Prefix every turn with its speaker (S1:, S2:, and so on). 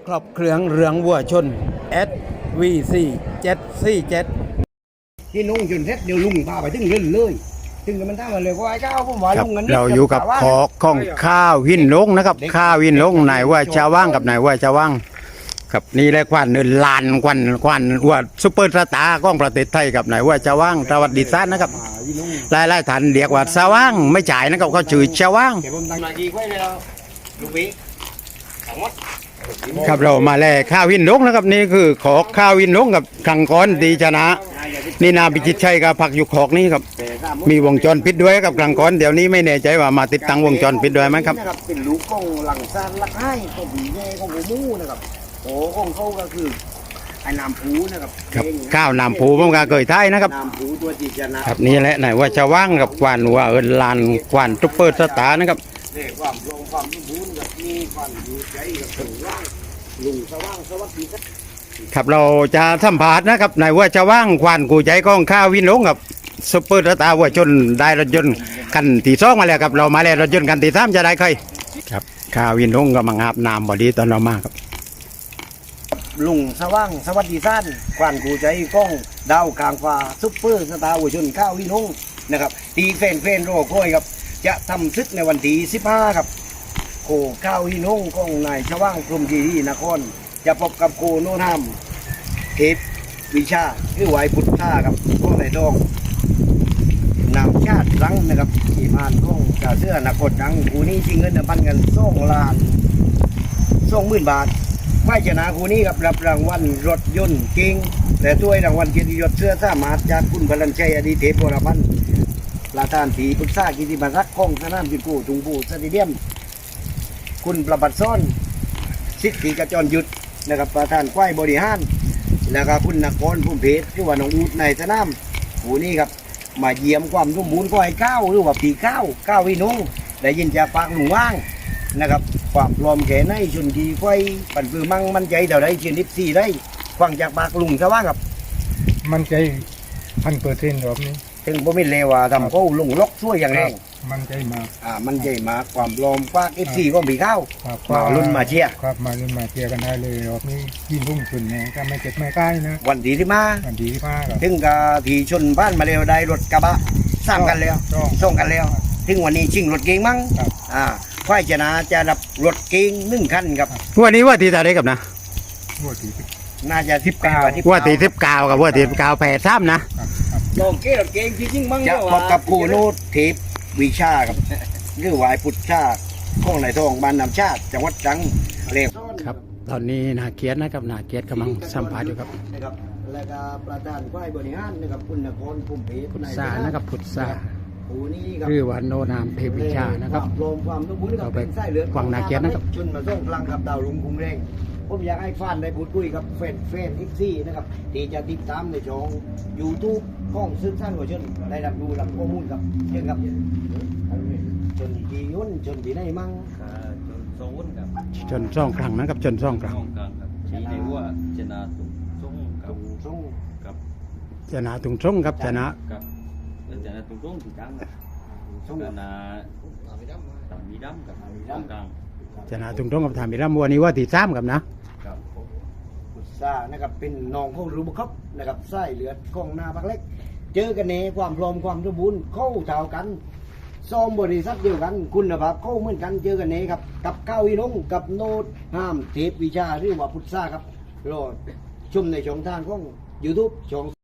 S1: ครอบเครื่องเรืองวัวชน SVC 747
S2: ที่นุ่งจนเสร็จเดี๋ยวลุงพาไปถึงเรื่อยเลยถึงมันทำมาเลยว่าไอ้เจ้าผมว่า
S1: ครับ
S2: ลุงเงิน
S1: เราอยู่กับขอของข้าววินลงนะครับข้าววินลงนายว่าชาวว่างกับนายว่าชาวว่างครับนี่แหละควันเนินลานควันว่าซุปเปอร์สตาร์ของประเทศไทยกับนายว่าชาวว่างสวัสดีท่านนะครับหลายท่านเรียกว่าชาวว่างไม่จ่ายนะครับเขาชื่อชาวว่าง
S2: เดี๋ยวผมตั้งนาทีไว้เลยลุงวิทั้งหมด
S1: ครับเรามาแลข้าววินลงนะครับนี่คือขอข้าววินลงกับขังก้อนดีชนะ นี่นาพิจิตชัยกับผักอยู่ขอกนี่ครับมีวงจรปิดด้วยกับขังก้อนเดี๋ยวนี้ไม่แน่ใจว่ามาติดตั้งวงจรปิดด้วยไหมครับ
S2: เป็นลูกของหลังซานลักให้ของผีแย่ของหัวมูนะครับโอ้ของเขาก็คือไอ้น้ำผูนะครับ
S1: ครับข้าวน้ำผูผมก็เคยท้ายนะครับ
S2: น้ำผูตัวจีจนะครับ
S1: นี่แหละไหนว่าจะว่างกับควันว่าลานควันซุปเปอร์สตาร์นะครับ
S2: เนี่ยความลงความสมบูรณ์กับมีความอยู่ใจกับถึงว่างลุงสว่างสวัสดีครับ
S1: ครับเราจะสัมภาษณ์นะครับไหนว่าจะว่างควันกูใจกองข้าววินลงกับซุปเปอร์สตาร์วัวชนได้รถยนต์คันที่สองมาแล้วครับเรามาแล้วรถยนต์คันที่สามจะได้ใครครับข้าววินลงก็มังอาบน้ำบอดีตอนเรามาครับ
S2: ลุงสว่างสวัสดีท่านควันกูใจกล้องดาวกลางฟ้าซุปเปอร์สตาร์วัวชนข้าววินงนะครับตีแฟนโรโก้ยครับจะทำซึกในวันที่15ครับโคข้าววินงของนายสว่างกรมกีรีนครจะพบกับโคโนนามเทพวิชาคือไหวพุทธาครับพวกนายทองนำชาติรังนะครับที่ผ่านของกาเสื้อนักกดดังคูนี้ชิงเงินพันกัน2,20,000 บาทไม่ชนะคูนี้ครับรับรางวัลรถยนต์เก่งแต่ด้วยรางวัลเกียรติยศเสื้อสามารถจากคุณพลันชัยอดีเทพวรพันธ์ประธานสีปรึกษากิติบัตรรักของสนามจุดกูถุงบูสเตเดียมคุณประบัติซ้อนสิทธิกระจรยุทธนะครับประธานควายบริหารแล้วก็คุณนครพุ่มเพชรที่ว่าน้องอูดในสนามคูนี้ครับมาเยี่ยมความสมบูรณ์ก็ให้ก้าวหรือว่าปีก้าววินงได้ยินจากปากหลวงว่างนะครับความพร้อมแก่ในชนกีไฟปั่นปือมั่งมันใจเท่าไรเชียน14ได้ฟังจากปากลุงซะว่าครับ
S3: มันใจ1,000%รอบนี้
S2: ถึงผมไม่เลวว่าทำเขาลงล็อกช่วยอย่างแรง
S3: มันใจมาก
S2: มันใจมากความพร้อมปาก14ก็ปีก้าว
S3: ครับ
S2: มาลุ้นมาเชียร์
S3: ครับมาลุ้นมาเชียร์กันได้เลยรอบนี้ยินพุ่งขึ้นเนี่ยก็ไม่เจ็บไม่ใกล้นะ
S2: วันที่ที่มา
S3: อันดีมากครับ
S2: ถึงกับที่ชนบ้านมาเร็วได้รถกระบะสร้างกันแล้วส่งกันแล้วถึงวันนี้ชิงรถเก๋งมั้ง
S3: ครับ
S2: ควายชนะจะรับรถเก๋ง1 คันครับ
S1: วันนี้ว่าที่ตาได้กับนะ
S3: วัวตีสิบ
S2: น่าจะ19
S1: ว่าที่19กับว่าที่19แปดซ้ำนะ
S3: ครับครับ
S2: โลเกรถเก๋งจริงๆมั้งจะพบกับครูโนดเทพวิชาครับหรือวายพุทธชาของนายทองบ้านนำชาติจังหวัดตรังเรียก
S1: ครับตอนนี้นาเกียรตินะครับนาเกียรติกำลังสัมภาษณ์อยู่ครับ
S2: นะครับแล้วก็ประธานฝ่ายบริหารนะครับคุณนครภูมิเพชร
S1: พุทธานะครับพุทธา
S2: ผู้นี้ครับ
S1: คือว่าโนนามเทพวิชานะครับ
S2: วามรวมความสมบูรณ์กับ
S1: เราไป
S2: เป็นไส้เลือด
S1: ฟังนาเกียรตินะครับ
S2: ชนมาส่งพลังกับดาวรุ่งคุ้งแรงผมอยากให้ฟานได้พูดคุยกับแฟนอีกซี่นะครับที่จะติดตามในช่อง YouTube ของซึ่งสร้างหัวชนได้รับรู้รับข้อมูลกับเรื่องกับชนที่ยุ่นชนที่ไหนมั่ง
S4: โซนกับ
S1: จนซ่องครั้งนะครับจนซ่องครั้ง
S4: ช่องกลางกับชี้ได้ว่าชนะตุงส่งกั
S2: ตร
S4: บ
S2: งตรง
S4: กับ
S1: ชนะตุงซ่งครับชนะ
S4: กับชนะตุงส่งถึงกลางกับ
S2: ตรง
S4: ชนะตามมีดำกับช่องกลาง
S1: ชนะตุงซ่งกับทามิรัมวันนี้ว่าที่3กับนะ
S4: กับ
S2: กุศานะครับเป็นน้องของรูบครับนะครับไส้เลือดของหน้าพักเล็ก เจอกันเนความพร้อมความสมบูรณ์เข้าเท่ากันซ้อมบริษัทเดียวกันคุณภาพเข้าเหมือนกันเจอกันเนครับกับก้าววินงกับโนดห้ามเทพวิชาหรือว่าพุทธาครับรอชมในช่องทางของ YouTube ช่อง